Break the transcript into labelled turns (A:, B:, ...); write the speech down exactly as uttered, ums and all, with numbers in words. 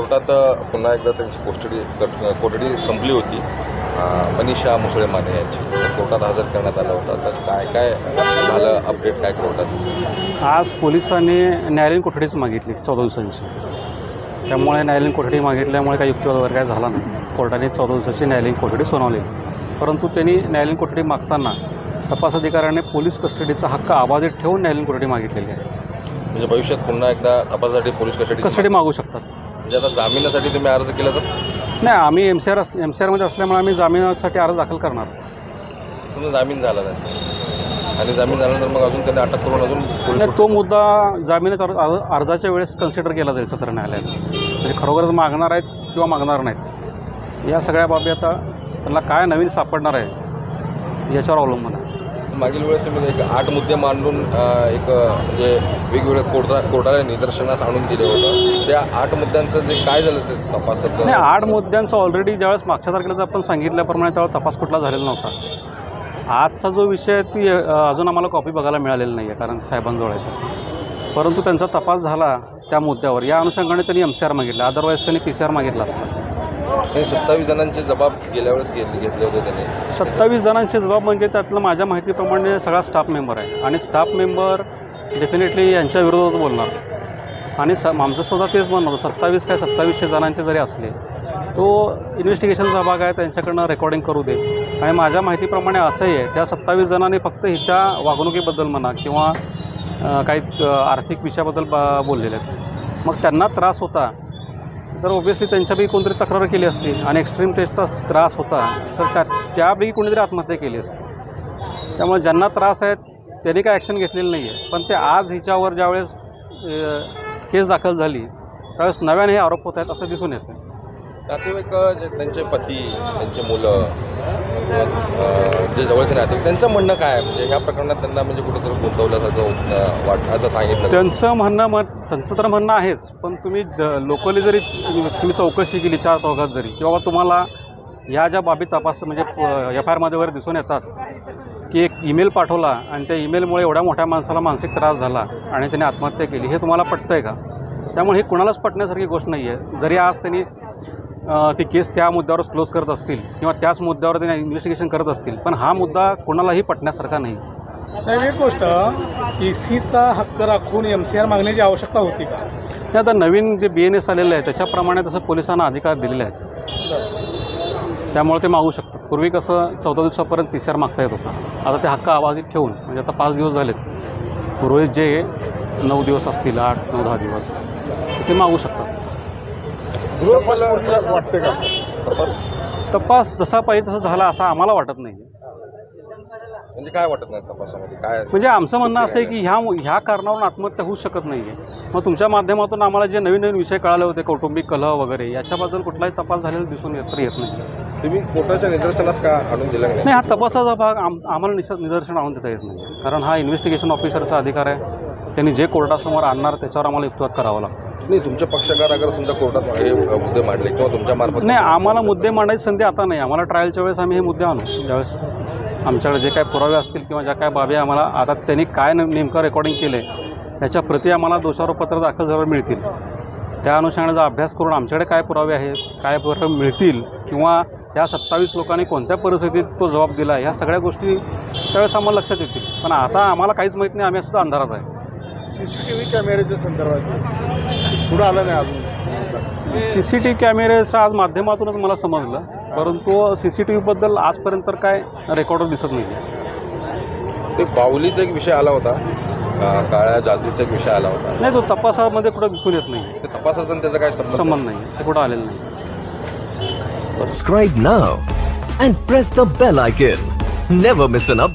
A: कोर्टात पुन्हा एकदा त्यांची कोठडी कोठडी संपली होती मनीषा मुसळे माने यांची, कोर्टात हजर करण्यात आलं होतं. तर काय काय झालं, अपडेट काय कोर्टात?
B: आज पोलिसांनी न्यायालयीन कोठडीच मागितली चौदा दिवसांची. त्यामुळे न्यायालयीन कोठडी मागितल्यामुळे काही युक्तिवाद वगैरे काय झाला नाही. कोर्टाने चौदा दिवसाची न्यायालयीन कोठडी सुनावली. परंतु त्यांनी न्यायालयीन कोठडी मागताना तपास अधिकाऱ्याने पोलीस कस्टडीचा हक्क अबाधित ठेवून न्यायालयीन कोठडी मागितलेली आहे.
A: म्हणजे भविष्यात पुन्हा एकदा तपासासाठी पोलीस कस्टडी
B: कस्टडी मागू शकतात.
A: म्हणजे आता जामिनासाठी तुम्ही अर्ज केला तर?
B: नाही, आम्ही M C R M C आरमध्ये असल्यामुळे आम्ही जामिनासाठी अर्ज दाखल करणार.
A: तुमचा जामीन झाला त्यांचा आणि जामीन झाल्यानंतर मग अजून त्यांनी अटक करून अजून पोलीस
B: नाही, तो मुद्दा जामिनाच्या अर्जाच्या वेळेस कन्सिडर केला जाईल सत्र न्यायालयात. म्हणजे खरोखरच मागणार आहेत किंवा मागणार नाहीत, या सगळ्या बाबी आता त्यांना काय नवीन सापडणार आहे याच्यावर अवलंबून आहे.
A: मागील वेळेस तुम्ही एक आठ मुद्दे मांडून एक म्हणजे वेगवेगळ्या कोर्टा कोर्टाला निदर्शनास आणून दिले होतं. त्या आठ मुद्द्यांचं जे काय झालं ते तपासात?
B: नाही, आठ मुद्द्यांचं ऑलरेडी ज्यावेळेस मागच्या तारखेला आपण सांगितल्याप्रमाणे त्यावेळेस तपास कुठला झालेला नव्हता. आजचा जो विषय आहे ती अजून आम्हाला कॉपी बघायला मिळालेली नाही आहे, कारण साहेबांजवळ आहे. परंतु त्यांचा तपास झाला त्या मुद्द्यावर, या अनुषंगाने त्यांनी एम सी आर मागितला. अदरवाईज त्यांनी पी सी आर मागितला असता.
A: सत्तावीस जणांचे जबाब गेल्या वेळेस घेतले घेतले होते त्यांनी.
B: सत्तावीस जणांचे जबाब म्हणजे त्यातलं माझ्या माहितीप्रमाणे सगळा स्टाफ मेंबर आहे आणि स्टाफ मेंबर डेफिनेटली यांच्या विरोधात बोलणार. आणि स आमचं सुद्धा तेच म्हणणं होतं, सत्तावीस काय सत्तावीसशे जणांचे जरी असले तो इन्व्हेस्टिगेशनचा भाग आहे, त्यांच्याकडनं रेकॉर्डिंग करू दे. आणि माझ्या माहितीप्रमाणे असंही आहे, त्या सत्तावीस जणांनी फक्त हिच्या वागणुकीबद्दल म्हणा किंवा काही आर्थिक विषयाबद्दल बा बोललेले आहेत. मग त्यांना त्रास होता तर ओबियसली त्यांच्यापैकी कोणतरी तक्रार केली असती आणि एक्स्ट्रीम टेस्टचा त्रास होता तर त्या त्यापैकी कोणीतरी आत्महत्या केली असती. त्यामुळे ज्यांना त्रास आहेत त्यांनी काय ॲक्शन घेतलेली नाही आहे. पण ते आज हिच्यावर ज्यावेळेस केस दाखल झाली त्यावेळेस नव्याने हे आरोप होत आहेत असं दिसून येतं.
A: नातेवाईक जे त्यांचे पती, त्यांचे मुलं, जे जवळचे नातेवाईक, त्यांचं म्हणणं काय आहे? म्हणजे ह्या प्रकरणात त्यांना म्हणजे कुठेतरी गुंतवल्यासारखं वाट असं सांगितलं.
B: त्यांचं म्हणणं मग त्यांचं तर म्हणणं आहेच, पण तुम्ही ज लोकली जरी तुम्ही चौकशी केली चार चौघात जरी, किंवा तुम्हाला ह्या ज्या बाबी तपास म्हणजे एफ आय आरमध्ये वगैरे दिसून येतात की एक ईमेल पाठवला आणि त्या ईमेलमुळे एवढ्या मोठ्या माणसाला मानसिक त्रास झाला आणि त्याने आत्महत्या केली, हे तुम्हाला पटतं आहे का? त्यामुळे हे कुणालाच पटण्यासारखी गोष्ट नाही आहे. जरी आज त्यांनी ती केस त्या मुद्द्यावरच क्लोज करत असतील किंवा त्याच मुद्द्यावर त्यांनी इन्व्हेस्टिगेशन करत असतील, पण हा मुद्दा कोणालाही पटण्यासारखा नाही.
C: साहेब, एक गोष्ट, ई सीचा हक्क राखून एम सी आर मागण्याची आवश्यकता होती का?
B: हे आता नवीन जे बी एन एस आलेलं आहे त्याच्याप्रमाणे तसं पोलिसांना अधिकार दिलेले आहेत, त्यामुळे ते मागू शकतात. पूर्वी कसं चौदा दिवसापर्यंत पी सी आर मागता येत होता, आता ते हक्क अबाधित ठेवून म्हणजे आता पाच दिवस झालेत, पूर्वी जे नऊ दिवस असतील, आठ नऊ दहा दिवस ते मागू शकतात.
A: वाटते का तपास
B: तपास जसा पाहिजे तसा झाला असं आम्हाला वाटत नाही.
A: म्हणजे काय वाटत नाही तपासामध्ये काय?
B: म्हणजे आमचं म्हणणं असं आहे की ह्या ह्या कारणावरून आत्महत्या होऊ शकत नाही आहे. मग तुमच्या माध्यमातून आम्हाला जे नवीन नवीन विषय कळाले होते, कौटुंबिक कलह वगैरे, याच्याबद्दल कुठलाही तपास झालेला दिसून येत येत नाही.
A: तुम्ही कोर्टाच्या निदर्शनास का आणून दिला नाही?
B: नाही, हा तपासाचा भाग आम आम्हाला निस निदर्शन आणून देता येत नाही, कारण हा इन्व्हेस्टिगेशन ऑफिसरचा अधिकार आहे. त्यांनी जे कोर्टासमोर आणणार त्याच्यावर आम्हाला युक्तिवाद करावा लागतो.
A: नाही, तुमचे पक्षकार अगर समजा कोर्टात हे मुद्दे मांडले किंवा तुमच्या मार्फत?
B: नाही, आम्हाला मुद्दे मांडायची संधी आता नाही. आम्हाला ट्रायलच्या वेळेस आम्ही हे मुद्दे आणू, ज्यावेळेस आमच्याकडे जे काय पुरावे असतील किंवा ज्या काय बाबी आम्हाला आता त्यांनी काय नेमकं रेकॉर्डिंग केलं आहे याच्या प्रती आम्हाला दोषारोपपत्र दाखल झाल्यावर मिळतील. त्या अनुषंगाचा अभ्यास करून आमच्याकडे काय पुरावे आहेत, काय पुरावे मिळतील किंवा या सत्तावीस लोकांनी कोणत्या परिस्थितीत तो जबाब दिला, ह्या सगळ्या गोष्टी त्यावेळेस आम्हाला लक्षात येतील. पण आता आम्हाला काहीच माहीत नाही, आम्ही सुद्धा अंधारात आहे.
D: सी सी टी व्ही कॅमेऱ्याच्या संदर्भात पुढं आलं नाही अजून.
B: सी सी टी व्ही कॅमेऱ्याच्या आज माध्यमातूनच मला समजलं, परंतु सी सी टी व्हीबद्दल आजपर्यंत तर काय रेकॉर्डर दिसत नाही आहे.
A: ते बाहुलीचा एक विषय आला होता, काळ्या जादूचा एक विषय आला होता.
B: नाही, तो तपासामध्ये कुठं दिसून येत नाही.
A: ते तपासाचा आणि त्याचा काय
B: संबंध नाही, ते कुठं आलेलं नाही.
E: Subscribe now and press the bell icon. Never miss an update.